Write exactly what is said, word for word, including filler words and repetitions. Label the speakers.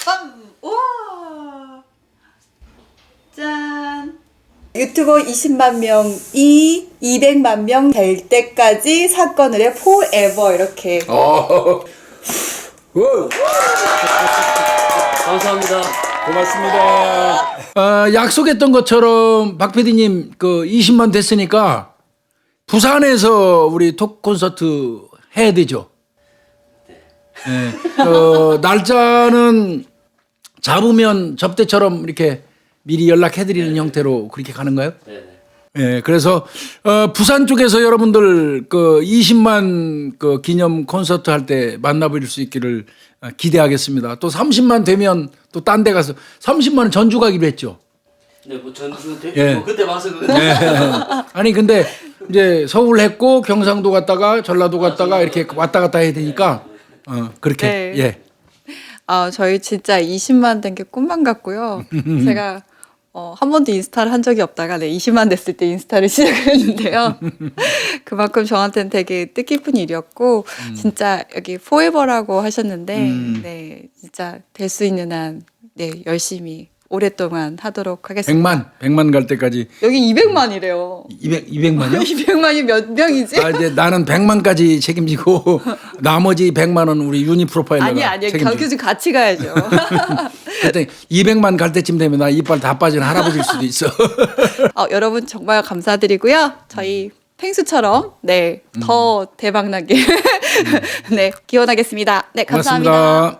Speaker 1: 빰! 우와! 짠! 유튜버 이십만 명이 이백만 명 될 때까지 사건을 해 forever 이렇게.
Speaker 2: 어. 우.
Speaker 3: 감사합니다.
Speaker 2: 고맙습니다. 어, 약속했던 것처럼 박 피디님 그 이십만 됐으니까 부산에서 우리 톡 콘서트 해야 되죠. 네. 어, 날짜는 잡으면 접대처럼 이렇게 미리 연락해드리는 형태로 그렇게 가는가요?
Speaker 3: 네네.
Speaker 2: 예, 그래서 어, 부산 쪽에서 여러분들 그 이십만 그 기념 콘서트 할 때 만나볼 수 있기를 어, 기대하겠습니다. 또 삼십만 되면 또 딴 데 가서 삼십만은 전주 가기로 했죠.
Speaker 3: 네, 뭐 전주 대,
Speaker 2: 예.
Speaker 3: 뭐 그때 봐서 그.
Speaker 2: 예. 아니 근데 이제 서울 했고 경상도 갔다가 전라도 갔다가 이렇게 왔다 갔다 해야 되니까 어, 그렇게
Speaker 1: 네.
Speaker 2: 예.
Speaker 1: 아, 저희 진짜 이십만 된 게 꿈만 같고요. 제가 어, 한 번도 인스타를 한 적이 없다가 네, 이십만 됐을 때 인스타를 시작을 했는데요. 그만큼 저한테는 되게 뜻깊은 일이었고
Speaker 2: 음.
Speaker 1: 진짜 여기 포에버라고 하셨는데 네, 진짜 될 수 있는 한 네, 열심히 오랫동안 하도록 하겠습니다.
Speaker 2: 백만 백만 갈 때까지
Speaker 1: 여기 이백만이래요.
Speaker 2: 이백 이백만요?
Speaker 1: 이백만이 몇 명이지?
Speaker 2: 아 이제 나는 백만까지 책임지고 나머지 백만은 우리 유니 프로파일러가
Speaker 1: 아니 아니
Speaker 2: 책임지고.
Speaker 1: 경규 같이 가야죠.
Speaker 2: 그때 이백만 갈 때쯤 되면 나 이빨 다 빠진 할아버지일 수도 있어.
Speaker 1: 어, 여러분 정말 감사드리고요. 저희 펭수처럼 네 더 대박나게 네 기원하겠습니다. 네 감사합니다.
Speaker 2: 고맙습니다.